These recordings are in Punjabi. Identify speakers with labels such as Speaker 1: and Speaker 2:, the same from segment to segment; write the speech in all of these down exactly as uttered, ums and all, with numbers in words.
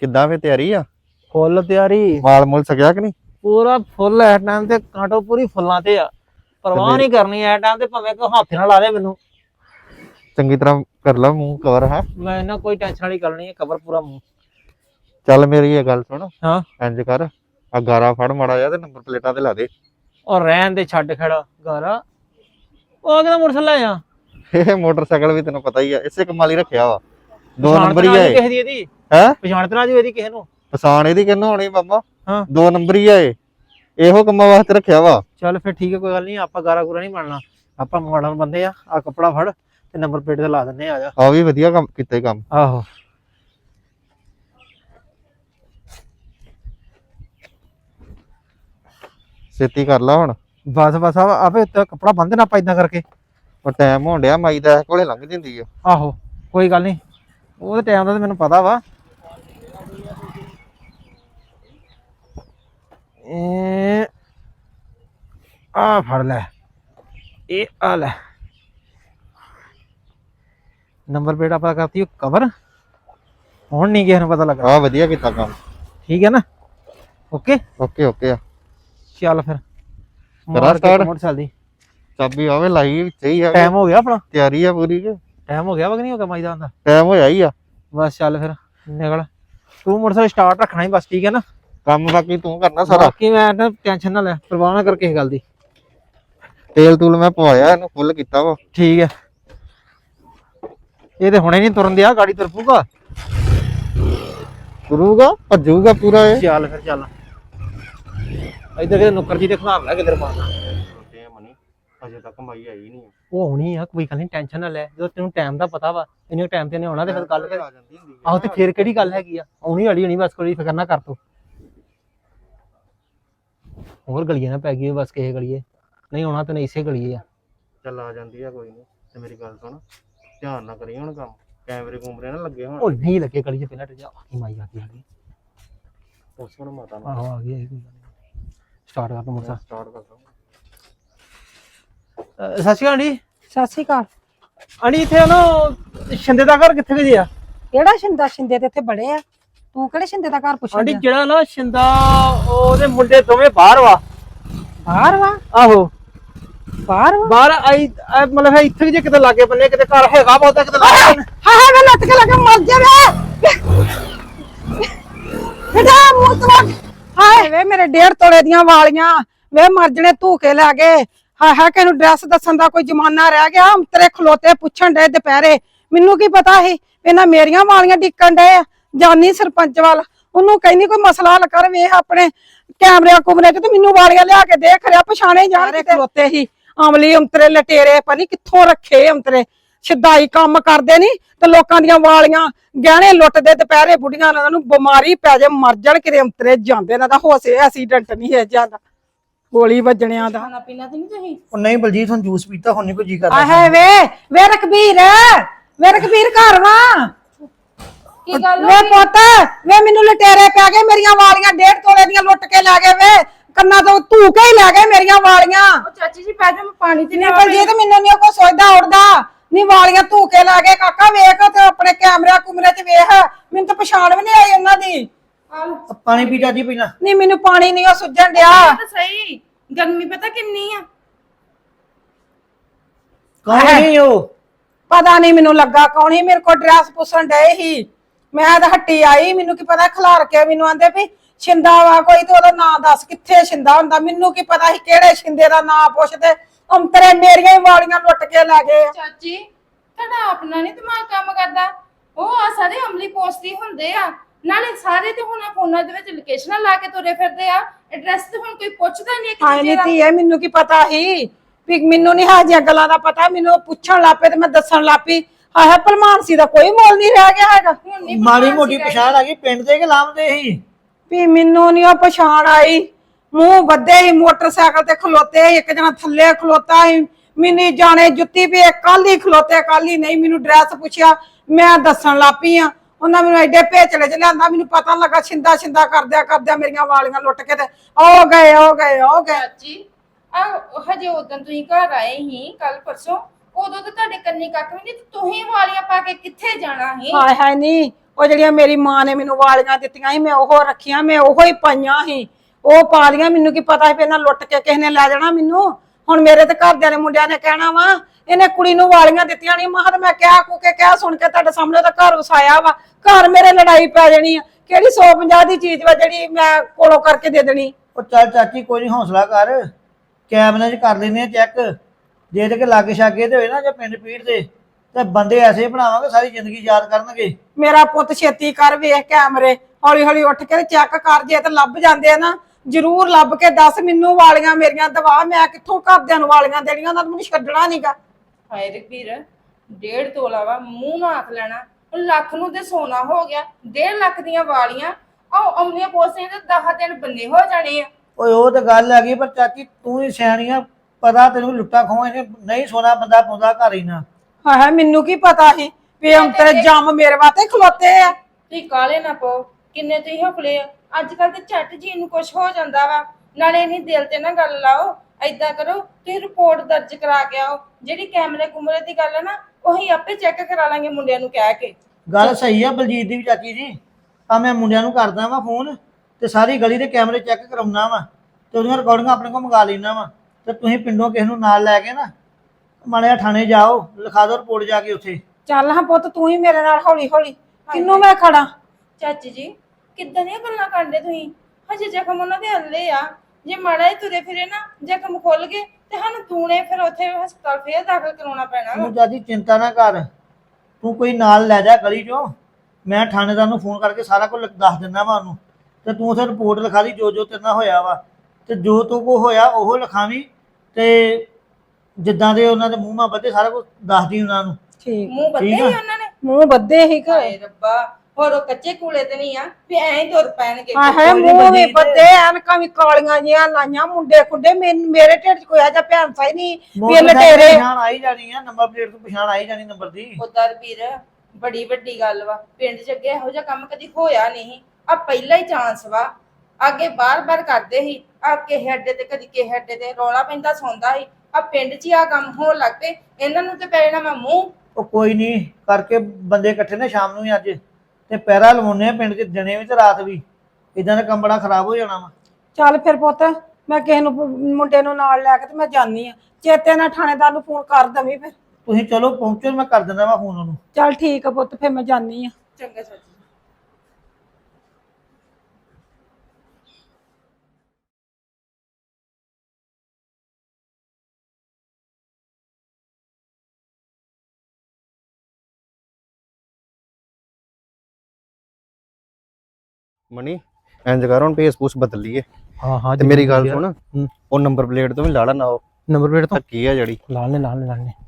Speaker 1: ਕਿੱਦਾਂ ਵੇ ਤਿਆਰੀ ਆ?
Speaker 2: ਫੁੱਲ ਤਿਆਰੀ
Speaker 1: ਮਾਲ ਮੁੱਲ ਸਕਿਆ ਕਿ ਨਹੀਂ?
Speaker 2: ਪੂਰਾ ਫੁੱਲ ਐ ਟਾਈਮ ਤੇ ਕਾਂਟੋ ਪੂਰੀ ਫੁੱਲਾਂ ਤੇ ਆ। ਪਰਵਾਹ ਨਹੀਂ ਕਰਨੀ ਐ ਟਾਈਮ ਤੇ, ਭਾਵੇਂ ਕੋਈ ਹੱਥ ਨਾਲ ਲਾ ਦੇ ਮੈਨੂੰ।
Speaker 1: ਚੰਗੀ ਤਰ੍ਹਾਂ ਕਰ ਲਾ ਮੂੰਹ ਕਵਰ ਹੈ।
Speaker 2: ਮੈਂ ਇਹਨਾਂ ਕੋਈ ਟੈਨਸ਼ਨ ਵਾਲੀ ਗੱਲ ਨਹੀਂ ਹੈ, ਕਵਰ ਪੂਰਾ ਮੂੰਹ।
Speaker 1: ਚੱਲ ਮੇਰੀ ਇਹ ਗੱਲ ਸੁਣ,
Speaker 2: ਹਾਂ
Speaker 1: ਇੰਜ ਕਰ ਆ ਗਾਰਾ ਫੜ ਮਾੜਾ ਜਾ ਤੇ ਨੰਬਰ ਪਲੇਟਾਂ ਤੇ ਲਾ ਦੇ।
Speaker 2: ਔਰ ਰਹਿਣ ਦੇ, ਛੱਡ ਖੜਾ ਗਾਰਾ। ਉਹ ਕਿਹਦਾ ਮੋਟਰਸਾਈਕਲ ਆ?
Speaker 1: ਇਹ ਮੋਟਰਸਾਈਕਲ ਵੀ ਤੈਨੂੰ ਪਤਾ ਹੀ ਆ, ਇਸੇ ਕੰਮਾਂ ਲਈ ਰੱਖਿਆ ਵਾ। ਦੋ
Speaker 2: ਪਛਾਣ
Speaker 1: ਨੰਬਰ
Speaker 2: ਤੇ
Speaker 1: ਹੀ
Speaker 2: ਨਾ
Speaker 1: ਆ
Speaker 2: ਜੀ ਕਿਸੇ ਦੀ ਇਹਦੀ
Speaker 1: ਹੈ।
Speaker 2: ਪਛਾਣ ਤੇ ਨਾ ਜੀ ਇਹਦੀ ਕਿਸੇ ਨੂੰ।
Speaker 1: ਪਛਾਣ ਇਹਦੀ ਕਿਹਨੂੰ ਹੋਣੀ ਮਾਮਾ?
Speaker 2: ਹਾਂ
Speaker 1: ਦੋ ਨੰਬਰ ਹੀ ਆ ਇਹ, ਇਹੋ ਕੰਮਾਂ ਵਾਸਤੇ ਰੱਖਿਆ ਵਾ।
Speaker 2: ਚੱਲ ਫਿਰ ਠੀਕ ਹੈ, ਕੋਈ ਗੱਲ ਨਹੀਂ। ਆਪਾਂ ਗਾਰਾ ਗੂਰਾ ਨਹੀਂ ਬਣਨਾ, ਆਪਾਂ ਮਾਡਲ ਬੰਦੇ ਆ। ਆ ਕੱਪੜਾ ਫੜ ਤੇ ਨੰਬਰ ਪਲੇਟ ਤੇ ਲਾ ਦਿੰਨੇ ਆ। ਆ ਜਾ।
Speaker 1: ਆ ਵੀ ਵਧੀਆ ਕੰਮ ਕੀਤਾ ਹੀ ਕੰਮ।
Speaker 2: ਆਹੋ
Speaker 1: ਛੇਤੀ ਕਰ ਲਾ ਹੁਣ।
Speaker 2: ਬਸ ਬਸ ਆ ਆਪੇ ਕੱਪੜਾ ਬੰਨ ਦੇਣਾ ਆਪਾਂ ਇਦਾਂ ਕਰਕੇ।
Speaker 1: ਉਹ ਟਾਈਮ ਹੋਣ ਡਿਆ, ਮਾਈ ਦਾ ਕੋਲੇ ਲੰਘ ਜਾਂਦੀ ਆ।
Speaker 2: ਆਹੋ ਕੋਈ ਗੱਲ ਨਹੀਂ, ਉਹਦੇ ਟਾਈਮ ਦਾ ਤਾਂ ਮੈਨੂੰ ਪਤਾ ਵਾ। ਇਹ ਆ ਫੜ ਲੈ, ਇਹ ਆ ਲੈ ਨੰਬਰ ਪਲੇਟ ਆਪਾਂ ਕਰਤੀ ਕਵਰ। ਹੁਣ ਨਹੀਂ ਕਿਸੇ ਨੂੰ ਪਤਾ ਲੱਗਾ।
Speaker 1: ਆ ਵਧੀਆ ਕੀਤਾ ਕੰਮ।
Speaker 2: ਠੀਕ ਹੈ ਨਾ? ਓਕੇ
Speaker 1: ਓਕੇ ਓਕੇ ਆ।
Speaker 2: ਚੱਲ ਫਿਰ
Speaker 1: ਕਰਾਂ start?
Speaker 2: ਮੋਟਰਸਾਈਕਲ ਦੀ
Speaker 1: ਚਾਬੀ ਆਵੇ ਲਾਈ ਵਿੱਚ ਹੀ ਆ।
Speaker 2: ਟਾਈਮ ਹੋ ਗਿਆ ਆਪਣਾ?
Speaker 1: ਤਿਆਰੀ ਆ ਪੂਰੀ ਕੇ?
Speaker 2: ਟਾਈਮ ਹੋ ਗਿਆ ਵਾ ਕਿ ਨਹੀਂ ਹੋ ਗਿਆ ਮਾਈ ਦਾ?
Speaker 1: ਟਾਈਮ ਹੋਇਆ ਹੀ ਆ।
Speaker 2: ਬਸ ਚੱਲ ਫਿਰ ਨਿਕਲ। ਤੂੰ ਮੋਟਰਸਾਈਕਲ ਸਟਾਰਟ ਰੱਖਣਾ ਹੀ ਬਸ, ਠੀਕ ਹੈ ਨਾ?
Speaker 1: ਕੰਮ ਬਾਕੀ ਤੂੰ ਕਰਨਾ ਸਾਰਾ।
Speaker 2: ਬਾਕੀ ਮੈਂ ਨਾ ਟੈਨਸ਼ਨ ਨਾ ਲੈ, ਪਰਵਾਹ ਨਾ ਕਰ ਕਿਸੇ ਗੱਲ ਦੀ।
Speaker 1: ਤੇਲ ਤੂਲ ਮੈਂ ਪਵਾਇਆ, ਇਹਨੂੰ ਫੁੱਲ ਕੀਤਾ ਵਾ।
Speaker 2: ਠੀਕ ਹੈ। ਇਹ ਤੇ ਹੁਣੇ ਨਹੀਂ ਤੁਰਨ ਦਿਆ, ਗਾੜੀ ਤੁਰ ਪੂਗਾ।
Speaker 1: ਤੁਰੂਗਾ ਭੱਜੂਗਾ ਪੂਰਾ ਇਹ।
Speaker 2: ਚੱਲ ਫਿਰ ਚੱਲ। ਇੱਧਰ ਕਿਤੇ ਨੁੱਕਰ ਜੀ ਤੇ ਖਲਾਰ ਲੈ ਕਿਧਰ ਮਾਰਨਾ।
Speaker 1: ਮਨੀ ਅਜੇ ਤੱਕ ਮਾਈ ਆਈ ਨਹੀਂ।
Speaker 2: ਉਹ ਹੋਣੀ ਆ, ਕੋਈ ਗੱਲ ਨਹੀਂ, ਟੈਨਸ਼ਨ ਨਾ ਲੈ। ਜਦੋਂ ਤੈਨੂੰ ਟਾਈਮ ਦਾ ਪਤਾ ਵਾ, ਇਹਨੇ ਟਾਈਮ ਤੇ ਨਹੀਂ ਆਉਣਾ ਤੇ ਫਿਰ ਗੱਲ ਕਰ।
Speaker 1: ਆ ਜਾਂਦੀ ਹੁੰਦੀ
Speaker 2: ਆਹੋ ਤੇ ਫਿਰ ਕਿਹੜੀ ਗੱਲ ਹੈਗੀ ਆ, ਆਉਣੀ ਵਾਲੀ ਹੋਣੀ ਬਸ, ਕੋਈ ਫਿਕਰ ਨਾ ਕਰ ਤੂੰ। ਹੋਰ ਗਲੀਆਂ ਨਾ ਪੈ ਗਈ ਬਸ, ਕਿਸੇ ਗਲੀਏ ਨਹੀਂ ਆਉਣਾ ਤੈਨੂੰ, ਇਸੇ ਗਲੀਏ ਆ।
Speaker 1: ਚੱਲ ਆ ਜਾਂਦੀ ਆ, ਕੋਈ ਨਹੀਂ। ਤੇ ਮੇਰੀ ਗੱਲ ਸੁਣ, ਧਿਆਨ ਨਾ ਕਰੀ ਹੁਣ ਕੰਮ। ਕੈਮਰੇ ਕੂਮਰੇ ਨਾ ਲੱਗੇ ਹੁਣ।
Speaker 2: ਉਹ ਨਹੀਂ ਲੱਗੇ ਗਲੀ 'ਚ, ਪਹਿਲਾਂ ਟਜਾ ਆ ਮਾਈ ਆ ਗਈ ਆ ਗਈ।
Speaker 1: ਉਸ ਨੂੰ ਮਾਤਾ ਨੂੰ
Speaker 2: ਆਹੋ ਆ ਗਈ। ਸਟਾਰਟ ਕਰ ਤੂੰ ਮੋਟਰਸਾਈਕਲ।
Speaker 1: ਸਟਾਰਟ ਕਰ ਦੋ।
Speaker 2: ਸਤਿ ਸ਼੍ਰੀ ਅਕਾਲ ਆਂਟੀ।
Speaker 3: ਸਤਿ ਸ਼੍ਰੀ ਅਕਾਲ।
Speaker 2: ਆਂਟੀ ਇੱਥੇ ਨਾ ਸ਼ਿੰਦੇ ਦਾ ਘਰ ਕਿੱਥੇ ਗਏ ਆ?
Speaker 3: ਕਿਹੜਾ ਸ਼ਿੰਦਾ? ਸ਼ਿੰਦੇ ਤੇ ਇੱਥੇ ਬੜੇ ਆ। ਤੂੰ ਕਿਹੜੇ ਸ਼ਿੰਦੇ ਦਾ ਘਰ ਪੁੱਛਣ
Speaker 2: ਆਂਟੀ
Speaker 3: ਡਿਆ?
Speaker 2: ਜਿਹੜਾ ਨਾ ਸ਼ਿੰਦਾ, ਉਹਦੇ ਮੁੰਡੇ ਦੋਵੇਂ ਬਾਹਰ ਵਾ।
Speaker 3: ਬਾਹਰ ਵਾ?
Speaker 2: ਆਹੋ
Speaker 3: ਬਾਹਰ ਵਾ?
Speaker 2: ਬਾਹਰ ਆਈ ਆ, ਮਤਲਬ ਇੱਥੇ ਜੇ ਕਿਤੇ ਲਾਗੇ ਬੰਨੇ ਕਿਤੇ ਘਰ ਹੈਗਾ ਬਹੁਤਾ ਕਿਤੇ ਲਾਗੇ।
Speaker 3: ਹਾਂ ਹਾਂ ਮੈਂ ਲੱਤ ਕੇ ਲੱਗਾ ਮਰ ਜਾਵੇ। ਬੇਟਾ ਮੂੰਹ ਤੋਂ ਹਾਏ ਵੇ ਮੇਰੇ ਡੇਢ ਤੋਲੇ ਦੀਆਂ ਵਾਲੀਆਂ ਵੇ ਮਰ ਜਣੇ ਧੂਕੇ ਲੈ ਗਏ। ਹਾਏ ਹਾਏ ਕਿਹਨੂੰ ਡਰੈਸ ਦੱਸਣ ਦਾ ਕੋਈ ਜ਼ਮਾਨਾ ਰਹਿ ਗਿਆ? ਤੇਰੇ ਖਲੋਤੇ ਪੁੱਛਣ ਡੇ ਦੁਪਹਿਰੇ, ਮੈਨੂੰ ਕੀ ਪਤਾ ਸੀ ਇਹਨਾਂ ਮੇਰੀਆਂ ਵਾਲੀਆਂ ਡਿੱਕਣ ਡੇ ਆ। ਜਾਨੀ ਸਰਪੰਚ ਵੱਲ, ਉਹਨੂੰ ਕਹਿੰਦੀ ਕੋਈ ਮਸਲਾ ਹੱਲ ਕਰ। ਵੇਖ ਆਪਣੇ ਕੈਮਰਿਆਂ ਕੁਮਰੇ ਚ ਤੇ ਮੈਨੂੰ ਵਾਲੀਆਂ ਲਿਆ ਕੇ ਦੇਖ ਰਿਆ, ਪਛਾਣੇ ਜਾਣ ਖਲੋਤੇ ਹੀ ਅਮਲੀ ਅੰਤਰੇ ਲਟੇਰੇ, ਪਤਾ ਕਿੱਥੋਂ ਰੱਖੇ ਅੰਤਰੇ। ਸਿੱਧਾਈ ਕੰਮ ਕਰਦੇ ਨੀ ਤੇ ਲੋਕਾਂ ਦੀਆਂ ਵਾਲੀਆਂ ਗਹਿਣੇ ਲੁੱਟਦੇ ਦੁਪਹਿਰੇ। ਬੁੱਢੀਆਂ ਉਹਨਾਂ ਨੂੰ ਬਿਮਾਰੀ ਪੈ ਜਾ, ਮਰ ਜਾਣ ਕਿਤੇ ਅੰਤਰੇ ਜਾਂਦੇ। ਇਹਨਾਂ ਦਾ ਹੋਸੇ ਐਕਸੀਡੈਂਟ ਨਹੀਂ ਹੈ ਜਾਂਦਾ, ਗੋਲੀ ਵੱਜਣਿਆਂ ਦਾ।
Speaker 4: ਖਾਣਾ ਪੀਣਾ ਤੇ ਨਹੀਂ ਤੁਸੀਂ?
Speaker 2: ਉਹ ਨਹੀਂ ਬਲਜੀਤ, ਹੁਣ ਜੂਸ ਪੀਤਾ, ਹੁਣ ਨਹੀਂ ਕੋਈ ਜੀ ਕਰਦਾ।
Speaker 3: ਆਹੇ ਵੇ ਵੇ ਰਕਬੀਰ ਵੇ ਰਕਬੀਰ ਘਰ ਵਾ?
Speaker 4: ਕੀ ਗੱਲ
Speaker 3: ਵੇ ਪੁੱਤ ਵੇ ਮੈਨੂੰ ਲਟੇਰੇ ਪੈ ਗਏ, ਮੇਰੀਆਂ ਵਾਲੀਆਂ ਡੇਢ ਤੋਲੇ ਦੀਆਂ ਲੁੱਟ ਕੇ ਲੈ ਗਏ। ਵੇ ਕੰਨਾਂ ਤੋਂ ਧੂ ਕੇ ਹੀ ਲੈ ਗਏ ਮੇਰੀਆਂ ਵਾਲੀਆਂ।
Speaker 4: ਉਹ ਚਾਚੀ ਜੀ ਪੈ ਜਾ, ਮੈਂ ਪਾਣੀ ਤੇ
Speaker 3: ਨਿਕਲ ਜੇ ਤੇ ਮੈਨੂੰ ਨਹੀਂ ਕੋਈ ਸੋਚਦਾ ਉੜਦਾ ਨੀ। ਵਾਲੀਆਂ ਧੂ ਕੇ ਲੈ ਗਏ। ਕਾਕਾ ਵੇਖ ਤੇ ਆਪਣੇ ਕੈਮਰਿਆਂ ਕੁਮਰੇ ਚ ਵੇਖ, ਮੈਨੂੰ ਤਾਂ ਪਛਾਣ ਵੀ ਨਹੀਂ ਆਈ ਉਹਨਾਂ ਦੀ।
Speaker 2: ਪਾਣੀ ਪੀ ਚਾਚੀ ਪਹਿਲਾਂ।
Speaker 3: ਨਹੀਂ ਮੈਨੂੰ ਪਾਣੀ ਨਹੀਂ ਉਹ ਸੁੱਜਣ ਡਿਆ।
Speaker 4: ਤਾਂ ਸਹੀ, ਗਰਮੀ ਪਤਾ ਕਿੰਨੀ ਆ।
Speaker 2: ਕੌਣ ਨਹੀਂ ਉਹ?
Speaker 3: ਪਤਾ ਨਹੀਂ ਮੈਨੂੰ ਲੱਗਾ ਕੌਣ ਹੀ। ਮੇਰੇ ਕੋਲ ਡਰੈਸ ਪੁੱਛਣ ਡਏ ਸੀ, ਮੈਂ ਤਾਂ ਹੱਟੀ ਆਈ। ਮੈਨੂੰ ਕੀ ਪਤਾ, ਖਿਲਾਰ ਕੇ ਮੈਨੂੰ ਆਂਦੇ ਵੀ ਸ਼ਿੰਦਾ ਵਾ ਕੋਈ, ਤੇ ਉਹਦਾ ਨਾਂ ਦੱਸ ਕਿੱਥੇ ਸ਼ਿੰਦਾ ਹੁੰਦਾ। ਮੈਨੂੰ ਕੀ ਪਤਾ ਸੀ ਕਿਹੜੇ ਸ਼ਿੰਦੇ ਦਾ ਨਾਂ ਪੁੱਛਦੇ। ਅੰਤਰੇ ਮੇਰੀਆਂ ਹੀ ਵਾਲੀਆਂ ਲੁੱਟ ਕੇ ਲੈ ਗਏ।
Speaker 4: ਚਾਚੀ ਤੁਹਾਡਾ ਆਪਣਾ ਨਹੀਂ ਦਿਮਾਗ ਕੰਮ ਕਰਦਾ। ਉਹ ਆ ਸਾਰੇ ਅਮਲੀ ਪੋਸਟੀ ਹੁੰਦੇ ਆ, ਨਾਲੇ ਸਾਰੇ ਤੇ ਹੁਣ ਫੋਨਾਂ ਦੇ ਵਿੱਚ ਲੋਕੇਸ਼ਨਾਂ ਲਾ ਕੇ ਤੁਰੇ ਫਿਰਦੇ ਆ। ਐਡਰੈਸ ਤੇ ਹੁਣ ਕੋਈ ਪੁੱਛਦਾ ਨਹੀਂ
Speaker 3: ਹਾਂ
Speaker 4: ਕਿ
Speaker 3: ਨਹੀਂ ਧੀਏ, ਮੈਨੂੰ ਕੀ ਪਤਾ ਸੀ ਵੀ ਮੈਨੂੰ ਨਹੀਂ ਹਾਜੀਆਂ ਗੱਲਾਂ ਦਾ ਪਤਾ। ਮੈਨੂੰ ਪੁੱਛਣ ਲੱਪੇ ਤੇ ਮੈਂ ਦੱਸਣ ਲੱਪੀ। ਆਹ ਭਲਮਾਨਸੀ ਦਾ ਕੋਈ ਮੋਲ ਨਹੀਂ ਰਹਿ ਗਿਆ ਹੈਗਾ।
Speaker 4: ਹੁਣ ਨਹੀਂ
Speaker 2: ਮਾੜੀ ਮੋਟੀ ਪਛਾਣ ਆ ਗਈ ਪਿੰਡ ਦੇ ਕਿ ਲਾਉਂਦੇ ਸੀ?
Speaker 3: ਵੀ ਮੈਨੂੰ ਨਹੀਂ ਉਹ ਪਛਾਣ ਆਈ। ਮੂੰਹ ਬੱਦੇ ਹੀ, ਮੋਟਰਸਾਈਕਲ ਤੇ ਖਲੋਤੇ ਸੀ, ਇੱਕ ਜਣਾ ਥੱਲੇ ਖਲੋਤਾ ਸੀ। ਮੈਨੂੰ ਜਾਣੇ ਜੁੱਤੀ ਵੀ ਕੱਲ ਹੀ ਖਲੋਤੇ, ਕੱਲ ਹੀ ਨਹੀਂ। ਮੈਨੂੰ ਡਰੈਸ ਪੁੱਛਿਆ, ਮੈਂ ਦੱਸਣ ਲੱਪੀ ਆ। ਉਹਨਾਂ ਮੈਨੂੰ ਐਡੇ ਭੇਚਲੇ ਚ ਲਿਆਂਦਾ, ਮੈਨੂੰ ਪਤਾ ਲੱਗਾ। ਛਿੰਦਾ ਛਿੰਦਾ ਕਰਦਿਆਂ ਕਰਦਿਆਂ ਮੇਰੀਆਂ ਵਾਲੀਆਂ ਲੁੱਟ ਕੇ ਤੇ ਹੋ ਗਏ ਹੋ ਗਏ ਹੋ ਗਏ।
Speaker 4: ਚਾਚੀ ਆ ਹਜੇ ਉਦੋਂ ਤੁਸੀਂ ਘਰ ਆਏ ਸੀ ਕੱਲ ਪਰਸੋਂ, ਉਦੋਂ ਤਾਂ ਤੁਹਾਡੇ ਕੰਨੀ ਕੱਖ ਵੀ ਨਹੀਂ, ਤੁਸੀਂ ਵਾਲੀਆਂ ਪਾ ਕੇ ਕਿੱਥੇ ਜਾਣਾ ਸੀ?
Speaker 3: ਹਾਏ ਹਾਏ ਨਹੀਂ ਉਹ ਜਿਹੜੀਆਂ ਮੇਰੀ ਮਾਂ ਨੇ ਮੈਨੂੰ ਵਾਲੀਆਂ ਦਿੱਤੀਆਂ ਸੀ ਮੈਂ ਉਹ ਰੱਖੀਆਂ, ਮੈਂ ਉਹੋ ਹੀ ਪਾਈਆਂ ਸੀ, ਉਹ ਪਾ ਲੀਆਂ। ਮੈਨੂੰ ਕੀ ਪਤਾ ਸੀ ਵੀ ਇਹਨਾਂ ਲੁੱਟ ਕੇ ਕਿਸੇ ਨੇ ਲੈ ਜਾਣਾ ਮੈਨੂੰ। ਹੁਣ ਮੇਰੇ ਤੇ ਘਰਦਿਆਂ ਨੇ ਮੁੰਡਿਆਂ ਨੇ ਕਹਿਣਾ ਵਾ ਇਹਨੇ ਕੁੜੀ ਨੂੰ ਵਾਲੀਆਂ ਦਿੱਤੀਆਂ ਨਹੀਂ। ਮੈਂ ਕਿਹਾ ਮੈਂ ਕਹਿ ਕੂ ਕੇ ਕਹਿ ਸੁਣ ਕੇ ਤੁਹਾਡੇ ਸਾਹਮਣੇ ਤਾਂ ਘਰ ਵਸਾਇਆ ਵਾ, ਘਰ ਮੇਰੇ ਲੜਾਈ ਪੈ ਜਾਣੀ ਆ। ਕਿਹੜੀ ਸੌ ਪੰਜਾਹ ਦੀ ਚੀਜ਼ ਵਾ ਜਿਹੜੀ ਮੈਂ ਕੋਲੋਂ ਕਰਕੇ ਦੇ ਦੇਣੀ।
Speaker 5: ਉਹ ਚੱਲ ਚਾਚੀ ਕੋਈ ਨਹੀਂ, ਹੌਸਲਾ ਕਰ, ਕੈਮਰੇ 'ਚ ਕਰ ਲੈਂਦੇ ਆ ਚੈੱਕ। ਜੇ ਤੇ ਕਿ ਲਾਗੇ ਛਾਗੇ ਤੇ ਹੋਏ ਨਾ ਜੇ ਪਿੰਡ ਪੀੜ ਦੇ ਤੇ ਬੰਦੇ ਐਸੇ ਬਣਾਵਾਂਗੇ ਸਾਰੀ ਜ਼ਿੰਦਗੀ ਯਾਦ ਕਰਨਗੇ।
Speaker 3: ਮੇਰਾ ਪੁੱਤ ਛੇਤੀ ਕਰ ਵੇਖ ਕੈਮਰੇ, ਹੌਲੀ ਹੌਲੀ ਉੱਠ ਕੇ ਚੈੱਕ ਕਰ, ਜੇ ਤੇ ਲੱਭ ਜਾਂਦੇ ਆ ਨਾ ਜ਼ਰੂਰ ਲੱਭ ਕੇ ਦੱਸ ਮੈਨੂੰ ਵਾਲੀਆਂ ਮੇਰੀਆਂ ਦਵਾ। ਮੈਂ ਕਿੱਥੋਂ ਘਰਦਿਆਂ ਨੂੰ ਵਾਲੀਆਂ ਦੇਣੀਆਂ, ਉਹਨਾਂ ਨੂੰ ਮੈਨੂੰ ਛੱਡਣਾ ਨਹੀਂਗਾ।
Speaker 4: ਹਾਏ ਰਘਬੀਰ, ਡੇਢ ਤੋਲਾ ਵਾ, ਮੂੰਹ ਨਾ ਹੱਥ ਲੈਣਾ। ਉਹ ਲੱਖ ਨੂੰ ਤੇ ਸੋਨਾ ਹੋ ਗਿਆ, ਡੇਢ ਲੱਖ ਦੀਆਂ ਵਾਲੀਆਂ। ਆਹ ਅਮਲੀਆਂ ਪੋਸਟਾਂ ਤੇ ਦਸ ਦਿਨ ਬੰਨੇ ਹੋ ਜਾਣੇ ਆ।
Speaker 5: ਓਏ ਉਹ ਤਾਂ ਗੱਲ ਹੈਗੀ, ਪਰ ਚਾਚੀ ਤੂੰ ਹੀ ਸਿਆਣੀ ਆ, ਪਤਾ ਤੈਨੂੰ ਲੁੱਟਾ ਖੋਹ ਇਹਨੇ ਨਹੀਂ ਸੋਨਾ ਬੰਦਾ ਪਾਉਂਦਾ ਘਰ ਹੀ ਨਾ।
Speaker 3: ਹਾਂ ਮੈਨੂੰ ਕੀ ਪਤਾ ਸੀ ਵੀ ਹੁਣ ਤੇਰੇ ਜੰਮ ਮੇਰੇ ਵਾਸਤੇ ਖਲੋਤੇ ਆ।
Speaker 4: ਤੁਸੀਂ ਕਾਲੇ ਨਾ ਪਾਓ, ਕਿੰਨੇ ਤੁਸੀਂ ਹਫਲੇ ਆ। ਅੱਜ ਕੱਲ ਤੇ ਝੱਟ ਜੀ ਨੂੰ ਕੁਛ ਹੋ ਜਾਂਦਾ ਵਾ। ਨਾਲੇ ਨਹੀਂ ਦਿਲ ਤੇ ਨਾ ਗੱਲ ਲਾਓ। ਏਦਾਂ ਕਰੋ, ਤੁਸੀਂ ਰਿਪੋਰਟ ਦਰਜ ਕਰਾ ਕੇ ਆਓ। ਜਿਹੜੀ ਕੈਮਰੇ ਕੁਮਰੇ ਦੀ ਗੱਲ ਹੈ ਨਾ, ਉਹੀ ਆਪੇ ਚੈੱਕ ਕਰਾ ਲਾਂਗੇ ਮੁੰਡਿਆਂ ਨੂੰ ਕਹਿ ਕੇ।
Speaker 5: ਗੱਲ ਸਹੀ ਆ ਬਲਜੀਤ ਦੀ ਵੀ ਚਾਚੀ ਜੀ। ਆ ਮੈਂ ਮੁੰਡਿਆਂ ਨੂੰ ਕਰਦਾ ਵਾ ਫੋਨ ਤੇ ਸਾਰੀ ਗਲੀ ਦੇ ਕੈਮਰੇ ਚੈੱਕ ਕਰਾਉਣਾ ਵਾ ਤੇ ਉਹਦੀਆਂ ਰਿਕਾਰਡਿੰਗਾਂ ਆਪਣੇ ਕੋਲ ਮੰਗਾ ਲੈਣਾ ਵਾ। ਤੇ ਤੁਸੀਂ ਪਿੰਡੋਂ ਕਿਸੇ ਨੂੰ ਨਾਲ ਲੈ ਕੇ ਨਾ ਮਾੜਿਆ ਥਾਣੇ ਜਾਓ, ਲਿਖਾ ਦਿਓ ਰਿਪੋਰਟ ਜਾ ਕੇ ਉੱਥੇ।
Speaker 3: ਚੱਲ ਹਾਂ ਪੁੱਤ ਤੂੰ ਹੀ ਮੇਰੇ ਨਾਲ ਹੌਲੀ ਹੌਲੀ, ਕਿੰਨੂੰ ਮੈਂ ਖੜਾ।
Speaker 4: ਚਾਚੀ ਜੀ ਕਿੱਦਾਂ ਦੀਆਂ ਗੱਲਾਂ ਕਰਦੇ ਤੁਸੀਂ? ਹਜੇ ਜ਼ਖਮ ਉਹਨਾਂ ਦੇ ਹੱਲੇ ਆ। ਜੇ ਮਾੜਾ ਹੀ ਤੁਰੇ ਫਿਰੇ ਨਾ ਜ਼ਖਮ ਖੁੱਲ ਗਏ ਤੇ ਸਾਨੂੰ ਤੂਣੇ ਫਿਰ ਉੱਥੇ ਹਸਪਤਾਲ ਫੇਰ ਦਾਖਲ ਕਰਾਉਣਾ ਪੈਣਾ ਵਾ।
Speaker 5: ਤੂੰ ਚਾਚੀ ਚਿੰਤਾ ਨਾ ਕਰ, ਤੂੰ ਕੋਈ ਨਾਲ ਲੈ ਜਾ ਗਲੀ ਚੋਂ। ਮੈਂ ਥਾਣੇਦਾਰ ਨੂੰ ਫੋਨ ਕਰਕੇ ਸਾਰਾ ਕੁਝ ਦੱਸ ਦਿੰਦਾ ਵਾ ਉਹਨੂੰ ਤੇ ਤੂੰ ਉੱਥੇ ਰਿਪੋਰਟ ਲਿਖਾ ਦੀ ਜੋ ਜੋ ਤੇਰੇ ਨਾਲ ਹੋਇਆ ਵਾ। ਤੇ ਜੋ ਤੂੰ ਕੋ ਹੋਇਆ ਉਹ ਲਿਖਾਵੀਂ ਤੇ ਜਿੱਦਾਂ ਦੇ ਉਹਨਾਂ ਦੇ ਮੂੰਹ ਮਾ ਬੱਧੇ ਸਾਰਾ ਕੁਝ ਦੱਸਦੀ ਉਹਨਾਂ ਨੂੰ।
Speaker 3: ਠੀਕ,
Speaker 4: ਮੂੰਹ ਬੱਦੇ ਹੀ ਉਹਨਾਂ ਨੇ।
Speaker 3: ਮੂੰਹ ਬੱਧੇ ਹੀ ਘਰ।
Speaker 4: ਹਾਏ ਰੱਬਾ, ਹੋਰ ਉਹ ਕੱਚੇ ਕੂਲੇ ਤੇ ਨਹੀਂ ਆ ਵੀ ਐਂ ਹੀ ਤੁਰ ਪੈਣਗੇ।
Speaker 3: ਹਾਏ ਹਾਏ ਮੂੰਹ ਵੀ ਬੱਧੇ, ਐਨਕਾਂ ਵੀ ਕਾਲੀਆਂ ਜਿਹੀਆਂ ਲਾਈਆਂ, ਮੁੰਡੇ ਖੁੰਡੇ। ਮੇਰੇ ਢਿੱਡ 'ਚ ਕੋਈ ਆ ਜਾ ਭੈਣ ਸਾਈ ਨਹੀਂ ਵੀ ਇਹ ਲਟੇਰੇ।
Speaker 5: ਪਛਾਣ ਆਈ ਜਾਣੀ ਆ, ਨੰਬਰ ਪਲੇਟ ਤੋਂ ਪਛਾਣ ਆਈ ਜਾਣੀ ਨੰਬਰ ਦੀ।
Speaker 4: ਉਦਾਰ ਵੀਰ ਬੜੀ ਵੱਡੀ ਗੱਲ ਵਾ। ਪਿੰਡ 'ਚ ਅੱਗੇ ਇਹੋ ਜਿਹਾ ਕੰਮ ਕਦੀ ਹੋਇਆ ਨਹੀਂ। ਆ ਪਹਿਲਾ ਹੀ ਚਾਂਸ ਵਾ। ਅੱਗੇ ਬਾਰ-ਬਾਰ ਕਰਦੇ ਸੀ, ਆ ਕਿਸੇ ਅੱਡੇ ਤੇ ਕਦੀ ਕਿਸੇ ਅੱਡੇ ਤੇ ਰੌਲਾ ਪੈਂਦਾ ਸੌਂਦਾ ਸੀ। ਆ ਪਿੰਡ 'ਚ ਹੀ ਆ ਕੰਮ ਹੋਣ ਲੱਗ ਪਏ। ਇਹਨਾਂ ਨੂੰ ਤੇ ਪੈ ਜਾਣਾ ਮੈਂ ਮੂੰਹ।
Speaker 5: ਉਹ ਕੋਈ ਨਹੀਂ, ਕਰਕੇ ਬੰਦੇ ਇਕੱਠੇ ਨੇ ਸ਼ਾਮ ਨੂੰ ਹੀ ਅੱਜ ਤੇ ਪੈਰਾ ਲਵਾਉਣੇ ਆ ਪਿੰਡ 'ਚ ਦਿਨੇ ਵੀ ਤੇ ਰਾਤ ਵੀ। ਇਦਾਂ ਦਾ ਕੰਮ ਬੜਾ ਖਰਾਬ ਹੋ ਜਾਣਾ ਵਾ।
Speaker 3: ਚੱਲ ਫਿਰ ਪੁੱਤ ਮੈਂ ਕਿਸੇ ਨੂੰ ਮੁੰਡੇ ਨੂੰ ਨਾਲ ਲੈ ਕੇ ਤੇ ਮੈਂ ਜਾਨੀ ਆ। ਚੇਤੇ ਨਾਲ ਥਾਣੇਦਾਰ ਨੂੰ ਫੋਨ ਕਰ ਦਵੀਂ ਫਿਰ।
Speaker 5: ਤੁਸੀਂ ਚਲੋ ਪਹੁੰਚੋ, ਮੈਂ ਕਰ ਦਿੰਦਾ ਵਾ ਫੋਨ ਉਹਨੂੰ।
Speaker 3: ਚੱਲ ਠੀਕ ਆ ਪੁੱਤ, ਫਿਰ ਮੈਂ ਜਾਨੀ ਆ।
Speaker 4: ਚੰਗਾ ਚਾਚੀ।
Speaker 1: ਮਣੀ ਇੰਜ ਕਰ, ਹੁਣ ਪੇਸ ਪੂਸ ਬਦਲ ਲਈਏ।
Speaker 2: ਹਾਂ ਹਾਂ
Speaker 1: ਤੇ ਮੇਰੀ ਗੱਲ ਸੁਣ,
Speaker 2: ਹੂੰ।
Speaker 1: ਉਹ ਨੰਬਰ ਪਲੇਟ ਤੋਂ ਵੀ ਲਾ ਲਾ ਨਾ, ਉਹ
Speaker 2: ਨੰਬਰ ਪਲੇਟ ਤੋਂ
Speaker 1: ਧੱਕੀ ਆ ਜਿਹੜੀ।
Speaker 2: ਲਾਲ ਨੇ ਲਾਲ ਨੇ ਲਾਲ ਨੇ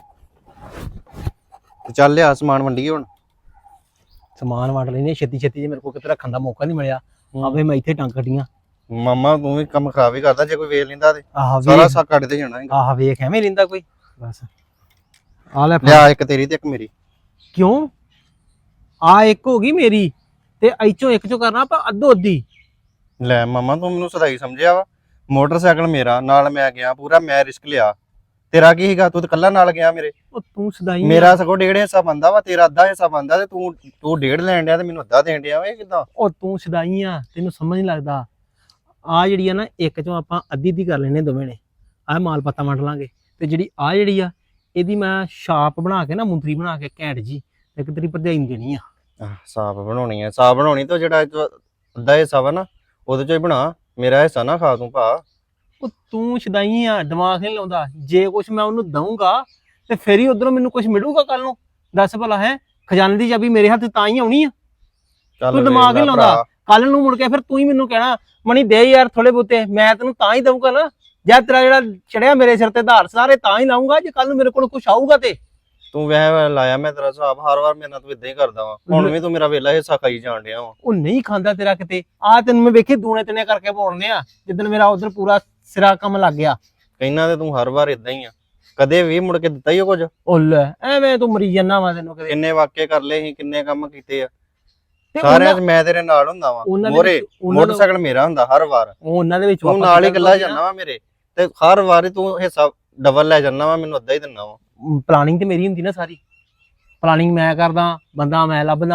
Speaker 1: ਤੇ ਚੱਲ ਲਿਆ ਸਮਾਨ ਵੰਡੀਏ ਹੁਣ।
Speaker 2: ਸਮਾਨ ਵੰਡ ਲੈਨੇ ਛੇਤੀ ਛੇਤੀ, ਜੇ ਮੇਰੇ ਕੋਲ ਕਿਤੇ ਰੱਖਣ ਦਾ ਮੌਕਾ ਨਹੀਂ ਮਿਲਿਆ ਆਵੇ ਮੈਂ ਇੱਥੇ ਟੰਗ ਕੱਢੀਆਂ।
Speaker 1: ਮਾਮਾ ਤੂੰ ਵੀ ਕੰਮ ਖਰਾਬ ਹੀ ਕਰਦਾ, ਜੇ ਕੋਈ ਵੇਖ ਲੈਂਦਾ ਤੇ
Speaker 2: ਆਹ
Speaker 1: ਸਾਰਾ
Speaker 2: ਵੇਖ
Speaker 1: ਸਾ ਕੱਢ ਤੇ ਜਾਣਾ ਹੈਗਾ।
Speaker 2: ਆਹ ਵੇਖ ਐਵੇਂ ਲੈਂਦਾ ਕੋਈ। ਬਸ ਆ ਲੈ ਫੜ।
Speaker 1: ਲਿਆ ਇੱਕ ਤੇਰੀ ਤੇ ਇੱਕ ਮੇਰੀ।
Speaker 2: ਕਿਉਂ? ਆ ਇੱਕ ਹੋ ਗਈ ਮੇਰੀ ਤੇ ਐਚੋਂ ਇੱਕ ਚੋਂ ਕਰਨਾ ਆਪਾਂ ਅੱਧੋ ਅੱਧੀ।
Speaker 1: ਲੈ ਮਾਮਾ ਤੂੰ ਮੈਨੂੰ ਸਦਾਈ ਸਮਝਿਆ ਵਾ। ਮੋਟਰਸਾਈਕਲ ਮੇਰਾ, ਨਾਲ ਮੈਂ ਗਿਆ ਪੂਰਾ, ਮੈਂ ਰਿਸਕ ਲਿਆ। ਤੇਰਾ ਕੀ ਸੀਗਾ? ਤੂੰ ਤਾਂ ਕੱਲਾ ਨਾਲ ਗਿਆ ਮੇਰੇ।
Speaker 2: ਉਹ ਤੂੰ ਸਦਾਈ
Speaker 1: ਮੇਰਾ ਸਗੋਂ ਡੇਢ ਹਿੱਸਾ ਬੰਦਾ ਵਾ, ਤੇਰਾ ਅੱਧਾ ਹਿੱਸਾ ਬੰਦਾ, ਤੇ ਤੂੰ ਤੂੰ ਡੇਢ ਲੈਣ ਡਿਆ ਤੇ ਮੈਨੂੰ ਅੱਧਾ ਦੇਣ ਡਿਆ ਵਾ। ਇਹ ਕਿੱਦਾਂ?
Speaker 2: ਉਹ ਤੂੰ ਸਦਾਈ ਆ, ਤੈਨੂੰ ਸਮਝ ਨਹੀਂ ਲੱਗਦਾ। ਆ ਜਿਹੜੀ ਆ ਨਾ ਇੱਕ ਚੋਂ ਆਪਾਂ ਅੱਧੀ ਅੱਧੀ ਕਰ ਲੈਣੇ ਦੋਵੇਂ ਨੇ। ਆਹ ਮਾਲ ਪੱਤਾ ਵੰਡ ਲਾਂਗੇ ਤੇ ਜਿਹੜੀ ਆ ਜਿਹੜੀ ਆ ਇਹਦੀ ਮੈਂ ਛਾਪ ਬਣਾ ਕੇ ਨਾ ਮੁੰਦਰੀ ਬਣਾ ਕੇ ਘੈਂਟ ਜੀ ਇੱਕ ਤੇਰੀ ਭਰਜਾਈ ਨੂੰ ਦੇਣੀ ਆ।
Speaker 1: ਸਾਫ ਬਣਾਉਣੀ ਆ, ਸਾਫ ਬਣਾਉਣੀ ਤੇ ਜਿਹੜਾ ਅੱਧਾ ਹਿੱਸਾ ਵਾ ਨਾ ਉਹਦੇ ਚੋਂ ਹੀ ਬਣਾ, ਮੇਰਾ ਹਿੱਸਾ ਨਾ ਖਾ ਤੂੰ ਭਾ।
Speaker 2: ਉਹ ਤੂੰ ਸਦਾਈ ਆ, ਦਿਮਾਗ ਨਹੀਂ ਲਾਉਂਦਾ। ਜੇ ਕੁਛ ਮੈਂ ਉਹਨੂੰ ਦਊਂਗਾ ਤੇ ਫਿਰ ਹੀ ਉਧਰੋਂ ਮੈਨੂੰ ਕੁਛ ਮਿਲੂਗਾ ਕੱਲ ਨੂੰ। ਦੱਸ ਭਲਾ ਹੈ, ਖਜ਼ਾਨੇ ਦੀ ਚਾਬੀ ਮੇਰੇ ਹੱਥ ਤਾਂ ਹੀ ਆਉਣੀ ਆ। ਤੂੰ ਦਿਮਾਗ ਨਹੀਂ ਲਾਉਂਦਾ। ਕੱਲ ਨੂੰ ਮੁੜ ਕੇ ਫਿਰ ਤੂੰ ਹੀ ਮੈਨੂੰ ਕਹਿਣਾ ਮਣੀ ਦੇ ਯਾਰ ਥੋੜੇ ਬਹੁਤੇ, ਮੈਂ ਤੈਨੂੰ ਤਾਂ ਹੀ ਦਊਂਗਾ ਨਾ। ਜਾਂ ਤੇਰਾ ਜਿਹੜਾ ਚੜਿਆ ਮੇਰੇ ਸਿਰ ਤੇ ਧਾਰ ਸਾਰੇ ਤਾਂ ਹੀ ਲਾਉਂਗਾ ਜੇ ਕੱਲ ਨੂੰ ਮੇਰੇ ਕੋਲ ਕੁਛ ਆਊਗਾ ਤੇ।
Speaker 1: ਤੂੰ ਵਹਿ ਲਾਇਆ ਮੈਂ ਤੇਰਾ ਹਿਸਾਬ, ਹਰ ਵਾਰ ਮੇਰੇ ਨਾਲ ਤੂੰ ਇਦਾਂ ਹੀ ਕਰਦਾ ਵਾ। ਹੁਣ ਵੀ ਤੂੰ ਮੇਰਾ ਵੇਲਾ ਹਿੱਸਾ ਖਾਈ ਜਾਣ ਡਿਆ ਵਾ।
Speaker 2: ਉਹ ਨਹੀਂ ਖਾਂਦਾ ਤੇਰਾ ਕਿਤੇ। ਆ ਤੈਨੂੰ ਮੈਂ ਵੇਖੀ ਦੂਣੇ ਤਨੇ ਕਰਕੇ ਬੋਲਨੇ ਆ ਜਿੱਦਣ ਮੇਰਾ ਉਧਰ ਪੂਰਾ ਸਿਰਾ ਕੰਮ ਲੱਗ ਗਿਆ।
Speaker 1: ਕਹਿਣਾ ਤੇ ਤੂੰ ਹਰ ਵਾਰ ਇਦਾਂ ਹੀ ਆ, ਕਦੇ ਵੀ ਮੁੜ ਕੇ ਦਿੱਤਾ ਹੀ ਉਹ ਕੁਝ।
Speaker 2: ਉਹ ਲੈ ਐਵੇਂ ਤੂੰ ਮਰੀ ਜਾਂਦਾ ਵਾ। ਤੈਨੂੰ ਕਦੇ
Speaker 1: ਕਿੰਨੇ ਵਾਕਿਏ ਕਰ ਲਏ ਸੀ, ਕਿੰਨੇ ਕੰਮ ਕੀਤੇ ਆ
Speaker 2: ਤੇ
Speaker 1: ਸਾਰਿਆਂ 'ਚ ਮੈਂ ਤੇਰੇ ਨਾਲ ਹੁੰਦਾ ਵਾ।
Speaker 2: ਉਹਨਾਂ ਦੇ
Speaker 1: ਮੋਰੇ
Speaker 2: ਵਿੱਚ- ਉਹਨਾਂ ਦਾ-
Speaker 1: ਮੋਟਰਸਾਈਕਲ ਮੇਰਾ ਹੁੰਦਾ ਹਰ ਵਾਰ।
Speaker 2: ਉਹ ਉਹਨਾਂ ਦੇ ਵਿੱਚ
Speaker 1: ਤੂੰ ਨਾਲ ਹੀ ਗੱਲਾਂ ਜਾਂਦਾ ਵਾ ਮੇਰੇ, ਤੇ ਹਰ ਵਾਰੀ ਤੂੰ ਹਿੱਸਾ ਡਬਲ ਲੈ ਜਾਂਦਾ ਵਾ, ਮੈਨੂੰ ਅੱਧਾ ਹੀ ਦਿੰਦਾ ਵਾ।
Speaker 2: ਪਲਾਨਿੰਗ ਤੇ ਮੇਰੀ ਹੁੰਦੀ ਨਾ ਸਾਰੀ। ਪਲਾਨਿੰਗ ਮੈਂ ਕਰਦਾ, ਬੰਦਾ ਮੈਂ ਲੱਭਦਾ,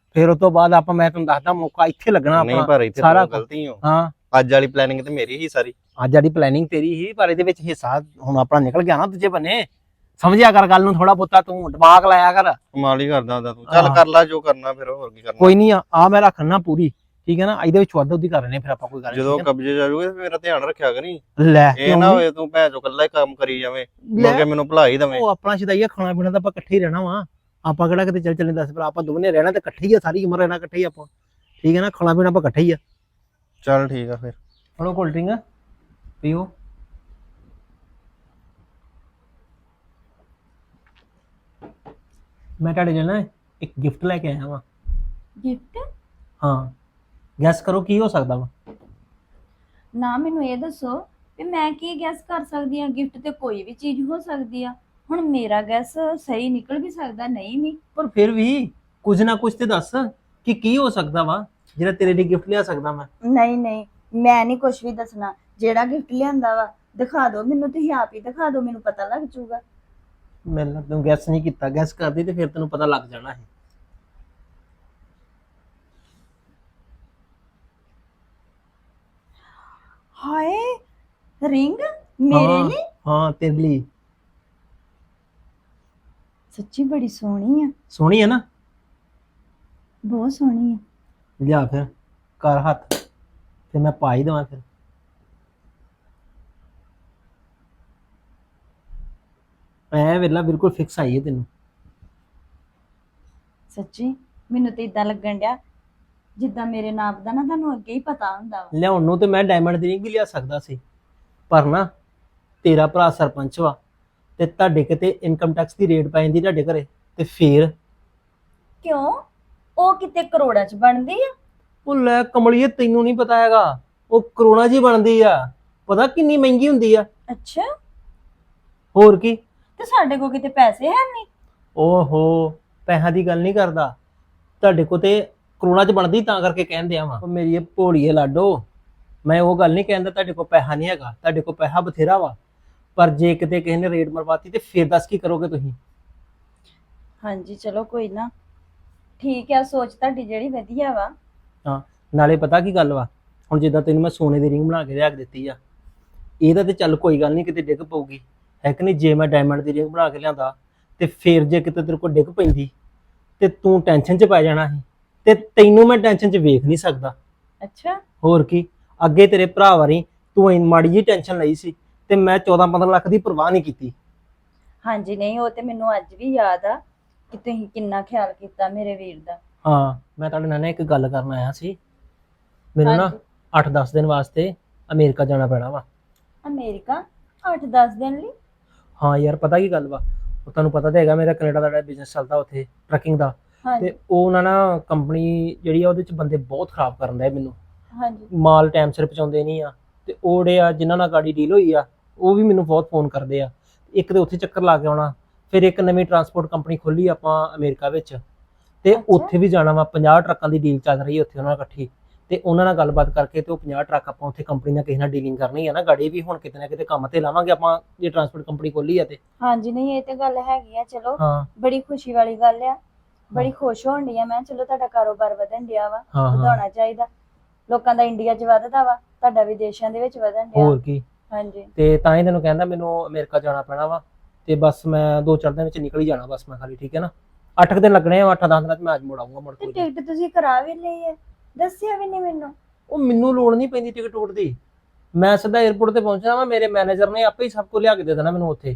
Speaker 2: ਫਿਰ ਉਸ ਤੋਂ ਬਾਅਦ ਆਪਾਂ ਮੈਂ ਤੁਹਾਨੂੰ ਦੱਸਦਾ ਮੌਕਾ ਇੱਥੇ ਲੱਗਣਾ
Speaker 1: ਨਹੀਂ
Speaker 2: ਆਪਣਾ
Speaker 1: ਪਰ ਇੱਥੇ
Speaker 2: ਸਾਰਾ
Speaker 1: ਸਾਰਾ
Speaker 2: ਕੁਛ।
Speaker 1: ਗਲਤੀ ਹੋ
Speaker 2: ਹਾਂ
Speaker 1: ਅੱਜ ਵਾਲੀ ਪਲੈਨਿੰਗ ਤੇ ਮੇਰੀ ਹੀ ਸਾਰੀ।
Speaker 2: ਅੱਜ ਸਾਡੀ ਪਲੈਨਿੰਗ ਤੇਰੀ ਹੀ, ਪਰ ਇਹਦੇ ਵਿੱਚ ਹਿੱਸਾ ਹੁਣ ਆਪਣਾ ਨਿਕਲ ਗਿਆ ਨਾ ਦੂਜੇ ਬੰਨੇ। ਸਮਝਿਆ ਕਰ ਗੱਲ ਨੂੰ ਥੋੜਾ ਬਹੁਤਾ, ਤੂੰ ਦਿਮਾਗ ਲਾਇਆ ਕਰ।
Speaker 1: ਕਮਾਲ ਹੀ ਕਰਦਾ ਹੁੰਦਾ ਤੂੰ। ਚੱਲ
Speaker 2: ਹਾਂ।
Speaker 1: ਕਰ ਲੈ ਜੋ ਕਰਨਾ, ਫਿਰ ਹੋਰ ਕੀ ਕਰਨਾ।
Speaker 2: ਕੋਈ ਨਹੀਂ ਆ ਆ ਮੈਂ ਰੱਖਣਾ ਪੂਰੀ, ਠੀਕ ਹੈ ਨਾ। ਇਹਦੇ ਵਿੱਚ ਵਾਧਾ ਉਹਦੀ ਕਰ ਰਹੇ ਫਿਰ ਆਪਾਂ ਕੋਈ ਗੱਲ ਨੀ,
Speaker 1: ਜਦੋਂ
Speaker 2: ਠੀਕ ਹੈ
Speaker 1: ਕਬਜ਼ੇ ਜਾਜੂਗੇ ਤੇ ਮੇਰਾ ਧਿਆਨ ਰੱਖਿਆ ਕਰੀ।
Speaker 2: ਨਾ? ਲੈ
Speaker 1: ਇਹ
Speaker 2: ਕਿਉਂ
Speaker 1: ਨਾ
Speaker 2: ਨੀ?
Speaker 1: ਹੋਏ ਤੂੰ ਭੈਣ ਚੋ ਇਕੱਲਾ ਹੀ ਕੰਮ ਕਰੀ ਜਾਵੇਂ,
Speaker 2: ਲੈ,
Speaker 1: ਮੁੜ ਕੇ ਮੈਨੂੰ ਭੁਲਾ ਹੀ ਦਵੇਂ।
Speaker 2: ਉਹ ਆਪਣਾ ਸ਼ਦਾਈਆ ਖਾਣਾ ਪੀਣਾ ਤਾਂ ਆਪਾਂ ਇਕੱਠੇ ਹੀ ਰਹਿਣਾ ਵਾ। ਆਪਾਂ ਕਿਹੜਾ ਕਿਤੇ ਚੱਲ ਚੱਲੇ ਦੱਸ, ਪਰ ਆਪਾਂ ਦੋਵੇਂ ਰਹਿਣਾ ਤੇ ਇਕੱਠੇ ਹੀ ਆ, ਸਾਰੀ ਉਮਰ ਰਹਿਣਾ ਇਕੱਠੇ ਹੀ ਆਪਾਂ, ਠੀਕ ਹੈ ਨਾ। ਖਾਣਾ ਪੀਣਾ ਆਪਾਂ ਇਕੱਠੇ ਹੀ ਆ।
Speaker 1: ਚੱਲ ਠੀਕ ਆ ਫਿਰ।
Speaker 2: ਫੜੋ ਕੋਲਡ ਡਰਿੰਕ ਪੀਓ। ਮੈਂ ਤੁਹਾਡੇ ਲਈ ਨਾ ਇੱਕ ਗਿਫਟ ਲੈ ਕੇ ਆਇਆ ਵਾਂ।
Speaker 6: ਗਿਫਟ?
Speaker 2: ਹਾਂ, ਗੈਸ ਕਰੋ ਕੀ ਹੋ ਸਕਦਾ ਵਾ।
Speaker 6: ਨਾ ਮੈਨੂੰ ਇਹ ਦੱਸੋ ਵੀ ਮੈਂ ਕੀ ਗੈਸ ਕਰ ਸਕਦੀ ਹਾਂ। ਗਿਫਟ ਤੇ ਕੋਈ ਵੀ ਚੀਜ਼ ਹੋ ਸਕਦੀ ਆ। ਹੁਣ ਮੇਰਾ ਗੈਸ ਸਹੀ ਨਿਕਲ ਵੀ ਸਕਦਾ, ਨਹੀਂ ਵੀ।
Speaker 2: ਪਰ ਫਿਰ ਵੀ ਕੁਝ ਨਾ ਕੁਝ ਤੇ ਦੱਸ ਕਿ ਕੀ ਹੋ ਸਕਦਾ ਵਾ ਜਿਹੜਾ ਤੇਰੇ ਲਈ ਗਿਫਟ ਲਿਆ ਸਕਦਾ ਮੈਂ।
Speaker 6: ਨਹੀਂ ਨਹੀਂ, ਮੈਂ ਨਹੀਂ ਕੁਝ ਵੀ ਦੱਸਣਾ। ਜਿਹੜਾ ਗਿਫਟ ਲਿਆਂਦਾ ਵਾ ਦਿਖਾ ਦਿਓ ਮੈਨੂੰ, ਤੁਸੀਂ ਆਪ ਹੀ ਦਿਖਾ ਦਿਓ, ਮੈਨੂੰ ਪਤਾ ਲੱਗ ਜਾਊਗਾ।
Speaker 2: ਮੈਨੂੰ ਤੂੰ ਗੈਸ ਨਹੀਂ ਕੀਤਾ, ਗੈਸ ਕਰਦੀ ਤੇ ਫਿਰ ਤੈਨੂੰ ਪਤਾ ਲੱਗ ਜਾਣਾ ਹੈ।
Speaker 6: ਹਾਏ, ਰਿੰਗ ਮੇਰੇ
Speaker 2: ਹਾਂ,
Speaker 6: ਲਈ?
Speaker 2: ਹਾਂ ਤੇਰੇ ਲਈ।
Speaker 6: ਸੱਚੀ ਬੜੀ ਸੋਹਣੀ ਆ,
Speaker 2: ਸੋਹਣੀ ਹੈ ਨਾ?
Speaker 6: ਬਹੁਤ ਸੋਹਣੀ ਆ।
Speaker 2: ਲਿਆ ਫਿਰ ਕਰ ਹੱਥ ਤੇ ਮੈਂ ਪਾ ਹੀ ਦੇਵਾਂ ਫਿਰ। ਐ ਵੇਲਾ ਬਿਲਕੁਲ ਫਿਕਸ ਆਈ ਹੈ ਤੈਨੂੰ।
Speaker 6: ਸੱਚੀ ਮੈਨੂੰ ਤੇ ਇਦਾਂ ਲੱਗਣ ਡਿਆ ਜਿੱਦਾਂ ਮੇਰੇ ਨਾਪ ਦਾ ਨਾ ਤੁਹਾਨੂੰ ਅੱਗੇ ਹੀ ਪਤਾ ਹੁੰਦਾ ਵਾ।
Speaker 2: ਲਿਆਉਣ ਨੂੰ ਤੇ ਮੈਂ ਡਾਇਮੰਡ ਦੀ ਰਿੰਗ ਵੀ ਲਿਆ ਸਕਦਾ ਸੀ, ਪਰ ਨਾ ਤੇਰਾ ਭਰਾ ਸਰਪੰਚ ਵਾ ਤੇ ਤੁਹਾਡੇ ਕਿਤੇ ਇਨਕਮ ਟੈਕਸ ਦੀ ਰੇਟ ਪੈ ਜਾਂਦੀ ਤੁਹਾਡੇ ਘਰੇ, ਤੇ ਫੇਰ
Speaker 6: ਕਿਉਂ? ਉਹ ਕਿਤੇ ਕਰੋੜਾਂ ਚ ਬਣਦੀ ਆ।
Speaker 2: ਉਹ ਲੈ ਕਮਲੀਏ, ਤੈਨੂੰ ਨਹੀਂ ਪਤਾ ਹੈਗਾ, ਉਹ ਕਰੋਨਾ ਜੀ ਬਣਦੀ ਆ। ਪਤਾ ਕਿੰਨੀ ਮਹਿੰਗੀ ਹੁੰਦੀ ਆ।
Speaker 6: ਅੱਛਾ,
Speaker 2: ਹੋਰ ਕੀ।
Speaker 6: ਤੇ ਸਾਡੇ ਕੋਲ ਕਿਤੇ ਪੈਸੇ ਹੈ ਨਹੀਂ।
Speaker 2: ਓਹੋ, ਪੈਸਿਆਂ ਦੀ ਗੱਲ ਨਹੀਂ ਕਰਦਾ, ਤੁਹਾਡੇ ਕੋ ਤੇ ਕਰੋਨਾ ਚ ਬਣਦੀ ਤਾਂ ਕਰਕੇ ਕਹਿੰਦੇ ਆ ਵਾ। ਮੇਰੀ ਇਹ ਭੋਲੀਏ ਲਾਡੋ, ਮੈਂ ਉਹ ਗੱਲ ਨਹੀਂ ਕਹਿੰਦਾ ਤੁਹਾਡੇ ਕੋਲ ਪੈਸਾ ਨਹੀਂ ਹੈਗਾ, ਤੁਹਾਡੇ ਕੋਲ ਪੈਸਾ ਬਥੇਰਾ ਵਾ, ਪਰ ਜੇ ਕਿਤੇ ਕਿਸੇ ਨੇ ਰੇਟ ਮਰਵਾਤੀ ਤੇ ਫਿਰ ਦੱਸ ਕੀ ਕਰੋਗੇ ਤੁਸੀਂ।
Speaker 6: ਹਾਂਜੀ ਚਲੋ ਕੋਈ ਨਾ, ਠੀਕ ਆ, ਸੋਚ ਤੁਹਾਡੀ ਜਿਹੜੀ ਵਧੀਆ ਵਾ।
Speaker 2: ਹਾਂ, ਨਾਲੇ ਪਤਾ ਕੀ ਗੱਲ ਵਾ, ਹੁਣ ਜਿੱਦਾਂ ਤੈਨੂੰ ਮੈਂ ਸੋਨੇ ਦੀ ਰਿੰਗ ਬਣਾ ਕੇ ਲਿਆ ਕੇ ਦਿੱਤੀ ਆ, ਇਹਦਾ ਤੇ ਚੱਲ ਕੋਈ ਗੱਲ ਨਹੀਂ ਕਿਤੇ ਡਿੱਗ ਪਊਗੀ, ਹੈ ਕਿ ਨਹੀਂ। ਜੇ ਮੈਂ ਡਾਇਮੰਡ ਦੀ ਰਿੰਗ ਬਣਾ ਕੇ ਲਿਆਂਦਾ ਤੇ ਫਿਰ ਜੇ ਕਿਤੇ ਤੇਰੇ ਕੋਲ ਡਿੱਗ ਪੈਂਦੀ ਤੇ ਤੂੰ ਟੈਨਸ਼ਨ 'ਚ ਪੈ ਜਾਣਾ ਸੀ, ਤੇ ਤੈਨੂੰ ਮੈਂ ਟੈਨਸ਼ਨ 'ਚ ਵੇਖ ਨਹੀਂ ਸਕਦਾ।
Speaker 6: ਅੱਛਾ,
Speaker 2: ਹੋਰ ਕੀ। ਅੱਗੇ ਤੇਰੇ ਭਰਾ ਵਾਰੀ ਤੂੰ ਇੰਨੀ ਮਾੜੀ ਜਿਹੀ ਟੈਨਸ਼ਨ ਲਈ ਸੀ ਤੇ ਮੈਂ ਚੌਦਾਂ ਪੰਦਰਾਂ ਲੱਖ ਦੀ ਪਰਵਾਹ ਨਹੀਂ ਕੀਤੀ।
Speaker 6: ਹਾਂਜੀ ਨਹੀਂ, ਉਹ ਤੇ ਮੈਨੂੰ ਅੱਜ ਵੀ ਯਾਦ ਆ ਕਿ ਤੁਸੀਂ ਕਿੰਨਾ ਖਿਆਲ ਕੀਤਾ ਮੇਰੇ ਵੀਰ ਦਾ।
Speaker 2: ਹਾਂ, ਮੈਂ ਤੁਹਾਡੇ ਨਾਲ ਨਾ ਇੱਕ ਗੱਲ ਕਰਨ ਆਇਆ ਸੀ। ਮੈਨੂੰ ਨਾ
Speaker 6: ਹਾਂਜੀ।
Speaker 2: ਅੱਠ ਦਸ ਦਿਨ ਵਾਸਤੇ ਅਮਰੀਕਾ ਜਾਣਾ ਪੈਣਾ ਵਾ।
Speaker 6: ਅਮਰੀਕਾ ਅੱਠ ਦਸ ਦਿਨ ਲਈ?
Speaker 2: ਹਾਂ ਯਾਰ, ਪਤਾ ਕੀ ਗੱਲ ਵਾ, ਉਹ ਤੁਹਾਨੂੰ ਪਤਾ ਤਾਂ ਹੈਗਾ ਮੇਰਾ ਕੈਨੇਡਾ ਦਾ ਜਿਹੜਾ ਬਿਜ਼ਨਸ ਚੱਲਦਾ ਉੱਥੇ ਟਰੱਕਿੰਗ ਦਾ,
Speaker 6: ਹਾਂਜੀ
Speaker 2: ਤੇ ਉਹ ਉਹਨਾਂ ਨਾ ਕੰਪਨੀ ਜਿਹੜੀ ਆ ਉਹਦੇ ਚ ਬੰਦੇ ਬਹੁਤ ਖਰਾਬ ਕਰਨ ਦਾ ਮੈਨੂੰ,
Speaker 6: ਹਾਂਜੀ
Speaker 2: ਮਾਲ ਟਾਈਮ ਸਿਰ ਪਹੁੰਚਾਉਂਦੇ ਨਹੀਂ ਆ, ਤੇ ਉਹ ਜਿਹੜੇ ਆ ਜਿਨ੍ਹਾਂ ਨਾਲ ਗਾੜੀ ਡੀਲ ਹੋਈ ਆ ਉਹ ਵੀ ਮੈਨੂੰ ਬਹੁਤ ਫੋਨ ਕਰਦੇ ਆ। ਇੱਕ ਤੇ ਉੱਥੇ ਚੱਕਰ ਲਾ ਕੇ ਆਉਣਾ, ਫਿਰ ਇੱਕ ਨਵੀਂ ਟਰਾਂਸਪੋਰਟ ਕੰਪਨੀ ਖੋਲੀ ਆਪਾਂ ਅਮਰੀਕਾ ਵਿੱਚ, ਤੇ
Speaker 6: ਅੱਛਾ।
Speaker 2: ਉੱਥੇ ਵੀ ਜਾਣਾ ਵਾ। ਪੰਜਾਹ ਟਰੱਕਾਂ ਦੀ ਡੀਲ ਚੱਲ ਰਹੀ ਹੈ ਉੱਥੇ ਉਹਨਾਂ ਨਾਲ ਇਕੱਠੀ, ਤੇ ਉਹਨਾਂ ਨਾਲ ਗੱਲਬਾਤ ਕਰਕੇ ਤੇ ਉਹ ਪੰਜਾਹ ਟਰੱਕ ਆਪਾਂ ਉੱਥੇ ਕੰਪਨੀ ਨਾਲ ਕਿਸੇ ਨਾਲ ਡੀਲਿੰਗ ਕਰਨੀ ਹੈ ਨਾ। ਗਾੜੀ ਵੀ ਹੁਣ ਕਿਤੇ ਨਾ ਕਿਤੇ ਕੰਮ ਤੇ ਲਾਵਾਂਗੇ ਆਪਾਂ ਜੇ ਟਰਾਂਸਪੋਰਟ ਕੰਪਨੀ ਖੋਲੀ ਆ ਤੇ।
Speaker 6: ਹਾਂਜੀ ਨਹੀਂ, ਇਹ ਤੇ ਗੱਲ ਹੈਗੀ ਆ। ਚਲੋ
Speaker 2: ਹਾਂ
Speaker 6: ਬੜੀ ਖੁਸ਼ੀ ਵਾਲੀ ਗੱਲ ਆ, ਬੜੀ ਖੁਸ਼ ਹੋਣ ਡਈ ਆ ਮੈਂ। ਚਲੋ ਤੁਹਾਡਾ ਕਾਰੋਬਾਰ ਵਧਣ ਡਿਆ ਵਾ,
Speaker 2: ਹਾਂ ਹਾਂ,
Speaker 6: ਵਧਾਉਣਾ ਚਾਹੀਦਾ। ਲੋਕਾਂ ਦਾ ਇੰਡੀਆ 'ਚ ਵੱਧਦਾ ਵਾ, ਤੁਹਾਡਾ ਵਿਦੇਸ਼ਾਂ ਦੇ ਵਿੱਚ ਵਧਣ ਡਿਆ।
Speaker 2: ਹੋਰ ਕੀ।
Speaker 6: ਹਾਂਜੀ
Speaker 2: ਤੇ ਤਾਂ ਹੀ ਤੈਨੂੰ ਕਹਿੰਦਾ ਮੈਨੂੰ ਅਮਰੀਕਾ ਜਾਣਾ ਪੈਣਾ ਵਾ, ਤੇ ਬਸ ਮੈਂ ਦੋ ਚਾਰ ਦਿਨ ਵਿੱਚ ਨਿਕਲ ਹੀ ਜਾਣਾ ਬਸ ਮੈਂ ਖਾਲੀ, ਠੀਕ ਹੈ ਨਾ। ਅੱਠ ਕੁ ਦਿਨ ਲੱਗਣੇ ਆ, ਅੱਠ ਦਸ ਦਿਨਾਂ ਚ ਮੈਂ ਅੱਜ ਮੁੜ ਆਊਂਗਾ ਮੁੜ
Speaker 6: ਤੇ
Speaker 2: ਕੇ।
Speaker 6: ਟਿਕਟ ਤੁਸੀਂ ਕਰਾ ਵੀ ਲਈ ਹੈ, ਦੱਸਿਆ ਵੀ ਨਹੀਂ ਮੈਨੂੰ।
Speaker 2: ਉਹ ਮੈਨੂੰ ਲੋੜ ਨਹੀਂ ਪੈਂਦੀ ਟਿਕਟ ਟੁਕਟ ਦੀ, ਮੈਂ ਸਿੱਧਾ 에ਅਰਪੋਰਟ ਤੇ ਪਹੁੰਚਣਾ ਵਾ, ਮੇਰੇ ਮੈਨੇਜਰ ਨੇ ਆਪੇ ਹੀ ਸਭ ਕੁਝ ਲਿਆ ਕੇ ਦੇ ਦੇਣਾ ਮੈਨੂੰ ਉੱਥੇ।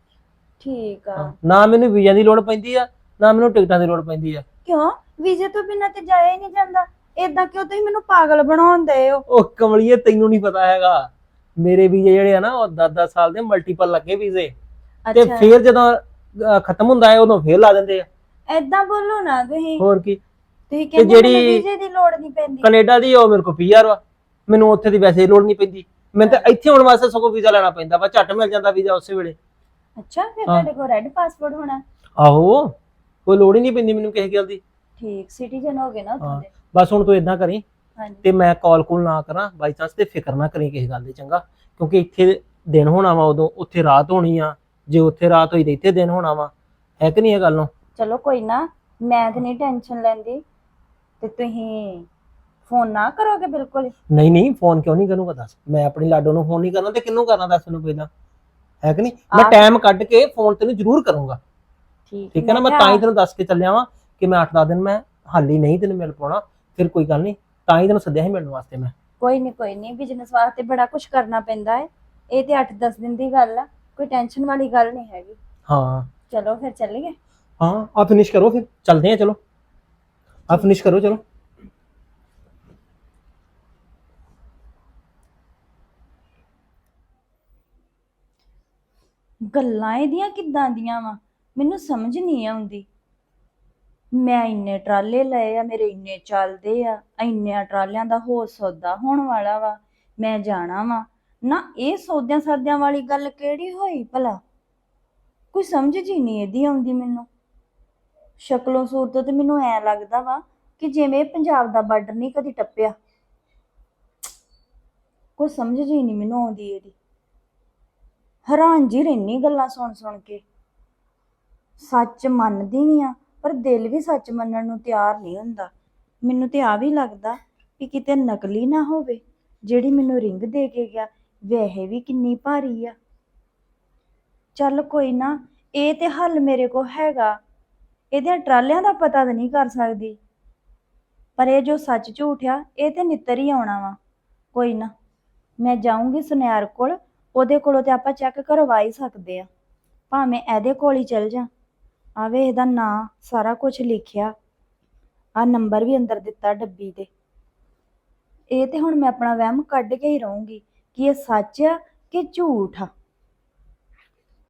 Speaker 6: ਠੀਕ ਆ।
Speaker 2: ਨਾ ਮੈਨੂੰ ਵੀਜ਼ਾ ਦੀ ਲੋੜ ਪੈਂਦੀ ਆ, ਨਾ ਮੈਨੂੰ ਟਿਕਟਾਂ ਦੀ ਲੋੜ ਪੈਂਦੀ ਆ।
Speaker 6: ਕਿਉਂ? ਵੀਜ਼ੇ ਤੋਂ ਬਿਨਾਂ ਤੇ ਜਾਇਆ ਹੀ ਨਹੀਂ ਜਾਂਦਾ। ਏਦਾਂ ਕਿਉਂ ਤੁਸੀਂ ਮੈਨੂੰ ਪਾਗਲ ਬਣਾਉਂਦੇ ਹੋ?
Speaker 2: ਉਹ ਕਮਲੀਏ, ਤੈਨੂੰ ਨਹੀਂ ਪਤਾ ਹੈਗਾ, ਮੇਰੇ ਵੀਜ਼ੇ ਜਿਹੜੇ ਆ ਨਾ ਉਹ ਦਸ ਦਸ ਸਾਲ ਦੇ ਮਲਟੀਪਲ ਲੱਗੇ ਵੀਜ਼ੇ, ਤੇ
Speaker 6: ਅੱਛਾ,
Speaker 2: ਫਿਰ ਜਦੋਂ ਅਹ, ਖਤਮ ਹੁੰਦਾ ਹੈ ਉਦੋਂ ਫੇਰ ਲਾ ਦਿੰਦੇ ਆ।
Speaker 6: ਏਦਾਂ ਬੋਲੋ ਨਾ ਤੁਸੀਂ।
Speaker 2: ਹੋਰ ਕੀ।
Speaker 6: ਤੁਸੀਂ ਕਹਿੰਦੇ
Speaker 2: ਜਿਹੜੀ-
Speaker 6: ਮੈਨੂੰ ਵੀਜ਼ੇ ਦੀ ਲੋੜ ਨਹੀਂ ਪੈਂਦੀ।
Speaker 2: ਕੈਨੇਡਾ ਦੀ ਉਹ ਮੇਰੇ ਕੋਲ ਪੀਆਰ ਵਾ, ਮੈਨੂੰ ਉੱਥੇ ਦੀ ਵੈਸੇ ਲੋੜ ਨਹੀਂ ਪੈਂਦੀ। ਮੈਨੂੰ ਤਾਂ ਇੱਥੇ ਆਉਣ ਵਾਸਤੇ ਸਗੋਂ ਵੀਜ਼ਾ ਲੈਣਾ ਪੈਂਦਾ ਵਾ, ਝੱਟ ਮਿਲ ਜਾਂਦਾ ਵੀਜ਼ਾ ਉਸੇ ਵੇਲੇ।
Speaker 6: ਅੱਛਾ, ਫਿਰ
Speaker 2: ਹਾਂ।
Speaker 6: ਤੁਹਾਡੇ ਕੋਲ ਰੈੱਡ ਪਾਸਪੋਰਟ ਹੋਣਾ।
Speaker 2: ਆਹੋ, ਕੋਈ ਲੋੜ ਹੀ ਨਹੀਂ ਪੈਂਦੀ ਮੈਨੂੰ ਕਿਸੇ ਗੱਲ ਦੀ।
Speaker 6: ਠੀਕ, ਸਿਟੀਜ਼ਨ ਹੋ ਗਏ ਨਾ ਉੱਥੋਂ
Speaker 2: ਹਾਂ।
Speaker 6: ਦੇ।
Speaker 2: ਬਸ ਹੁਣ ਤੂੰ ਇਦਾਂ ਕਰੀ,
Speaker 6: ਹਾਂਜੀ
Speaker 2: ਤੇ ਮੈਂ ਕਾਲ ਕੋਲ ਨਾ ਕਰਾਂ ਬਾਈ ਚਾਂਸ, ਤੇ ਫਿਕਰ ਨਾ ਕਰੀ ਕਿਸੇ ਗੱਲ ਦੀ, ਚੰਗਾ। ਕਿਉਂਕਿ ਇੱਥੇ ਦਿਨ ਹੋਣਾ ਵਾ, ਉਦੋਂ ਉੱਥੇ ਰਾਤ ਹੋਣੀ ਆ। ਜੇ ਉੱਥੇ ਰਾਤ ਹੋਈ ਤੇ ਇੱਥੇ ਦਿਨ ਹੋਣਾ ਵਾ, ਹੈ ਕਿ ਨਹੀਂ ਇਹ ਗੱਲ ਨੂੰ।
Speaker 6: ਚਲੋ ਕੋਈ ਨਾ, ਮੈਂ ਤੇ ਨਹੀਂ ਟੈਨਸ਼ਨ ਲੈਂਦੀ। ਤੇ ਤੁਸੀਂ ਫੋਨ ਨਾ ਕਰੋਗੇ ਬਿਲਕੁਲ ਹੀ?
Speaker 2: ਨਹੀਂ ਨਹੀਂ ਫੋਨ ਕਿਉਂ ਨਹੀਂ ਕਰੂੰਗਾ ਦੱਸ, ਮੈਂ ਆਪਣੀ ਲਾਡੋ ਨੂੰ ਫੋਨ ਨਹੀਂ ਕਰਨਾ ਤੇ ਕਿਹਨੂੰ ਕਰਨਾ ਦੱਸ ਮੈਨੂੰ ਪਹਿਲਾਂ, ਹੈ ਕਿ ਨਹੀਂ? ਮੈਂ
Speaker 6: ਆਹ।
Speaker 2: ਟਾਈਮ ਕੱਢ ਕੇ ਫੋਨ ਤੈਨੂੰ ਜ਼ਰੂਰ ਕਰੂੰਗਾ, ਠੀਕ ਹੈ ਨਾ? ਮੈਂ
Speaker 6: ਕਿਹਾ-
Speaker 2: ਤਾਂ ਹੀ ਤੈਨੂੰ ਦੱਸ ਕੇ ਚੱਲਿਆ ਵਾਂ ਕਿ ਮੈਂ ਅੱਠ ਦਸ ਦਿਨ ਮੈਂ ਹਾਲੀ ਨਹੀਂ ਤੈਨੂੰ ਮਿਲ ਪਾਉਣਾ, ਫਿਰ ਕੋਈ ਗੱਲ ਨਹੀਂ, ਤਾਂ ਹੀ ਤੈਨੂੰ ਸੱਦਿਆ ਸੀ ਮਿਲਣ ਵਾਸਤੇ ਮੈਂ।
Speaker 6: ਕੋਈ ਨਹੀਂ ਕੋਈ ਨਹੀਂ, ਬਿਜ਼ਨਸ ਵਾਸਤੇ ਬੜਾ ਕੁਝ ਕਰਨਾ ਪੈਂਦਾ ਹੈ। ਇਹ ਤੇ ਅੱਠ ਦਸ ਦਿਨ ਦੀ ਗੱਲ ਆ, ਕੋਈ ਟੈਨਸ਼ਨ ਵਾਲੀ ਗੱਲ ਨਹੀਂ ਹੈਗੀ।
Speaker 2: ਹਾਂ
Speaker 6: ਚਲੋ ਫਿਰ ਚੱਲੀਏ।
Speaker 2: ਹਾਂ ਆ ਫਿਨਿਸ਼ ਕਰੋ ਫਿਰ ਚੱਲਦੇ ਆ, ਚਲੋ ਆ ਫਿਨਿਸ਼ ਕਰੋ ਚਲੋ।
Speaker 6: ਗੱਲਾਂ ਇਹਦੀਆਂ ਕਿੱਦਾਂ ਦੀਆਂ ਵਾ, ਮੈਨੂੰ ਸਮਝ ਨਹੀਂ ਆਉਂਦੀ। ਮੈਂ ਇੰਨੇ ਟਰਾਲੇ ਲਏ ਆ, ਮੇਰੇ ਇੰਨੇ ਚੱਲਦੇ ਆ, ਇੰਨਿਆਂ ਟਰਾਲਿਆਂ ਦਾ ਹੋਰ ਸੌਦਾ ਹੋਣ ਵਾਲਾ ਵਾ, ਮੈਂ ਜਾਣਾ ਵਾ ਨਾ। ਇਹ ਸੌਦਿਆਂ ਸਾਦਿਆਂ ਵਾਲੀ ਗੱਲ ਕਿਹੜੀ ਹੋਈ ਭਲਾ? ਕੋਈ ਸਮਝ ਜੀ ਨਹੀਂ ਇਹਦੀ ਆਉਂਦੀ ਮੈਨੂੰ। ਸ਼ਕਲੋਂ ਸੂਰਤੋਂ ਤੇ ਮੈਨੂੰ ਐ ਲੱਗਦਾ ਵਾ ਕਿ ਜਿਵੇਂ ਇਹ ਪੰਜਾਬ ਦਾ ਬਾਰਡਰ ਨਹੀਂ ਕਦੀ ਟੱਪਿਆ। ਕੋਈ ਸਮਝ ਜੀ ਨਹੀਂ ਮੈਨੂੰ ਆਉਂਦੀ ਇਹਦੀ। ਹੈਰਾਨ ਜੀ ਰਹਿਨੀ ਗੱਲਾਂ ਸੁਣ ਸੁਣ ਕੇ। ਸੱਚ ਮੰਨਦੀ ਵੀ ਆ ਪਰ ਦਿਲ ਵੀ ਸੱਚ ਮੰਨਣ ਨੂੰ ਤਿਆਰ ਨਹੀਂ ਹੁੰਦਾ। ਮੈਨੂੰ ਤੇ ਆ ਵੀ ਲੱਗਦਾ ਵੀ ਕਿਤੇ ਨਕਲੀ ਨਾ ਹੋਵੇ। ਜਿਹੜੀ ਮੈਨੂੰ ਰਿੰਗ ਦੇ ਕੇ ਗਿਆ ਵੈਸੇ ਵੀ ਕਿੰਨੀ ਭਾਰੀ ਆ। ਚੱਲ ਕੋਈ ਨਾ, ਇਹ ਤੇ ਹੱਲ ਮੇਰੇ ਕੋਲ ਹੈਗਾ। ਇਹਦੇ ਟਰਾਲਿਆਂ ਦਾ ਪਤਾ ਤਾਂ ਨਹੀਂ ਕਰ ਸਕਦੀ, ਪਰ ਇਹ ਜੋ ਸੱਚ ਝੂਠ ਆ ਇਹ ਤੇ ਨਿੱਤਰ ਹੀ ਆਉਣਾ ਵਾ। ਕੋਈ ਨਾ, ਮੈਂ ਜਾਊਂਗੀ ਸੁਨਿਆਰ ਕੋਲ, ਉਹਦੇ ਕੋਲੋਂ ਤੇ ਆਪਾਂ ਚੈੱਕ ਕਰਵਾ ਹੀ ਸਕਦੇ ਆ। ਭਾਵੇਂ ਇਹਦੇ ਕੋਲ ਹੀ ਚਲ ਜਾ। ਆਵੇ ਇਹਦਾ ਨਾਂ ਸਾਰਾ ਕੁਝ ਲਿਖਿਆ, ਆ ਨੰਬਰ ਵੀ ਅੰਦਰ ਦਿੱਤਾ ਡੱਬੀ ਤੇ। ਇਹ ਤੇ ਹੁਣ ਮੈਂ ਆਪਣਾ ਵਹਿਮ ਕੱਢ ਕੇ ਹੀ ਰਹੂੰਗੀ ਕਿ ਇਹ ਸੱਚ ਆ ਕਿ ਝੂਠ ਆ।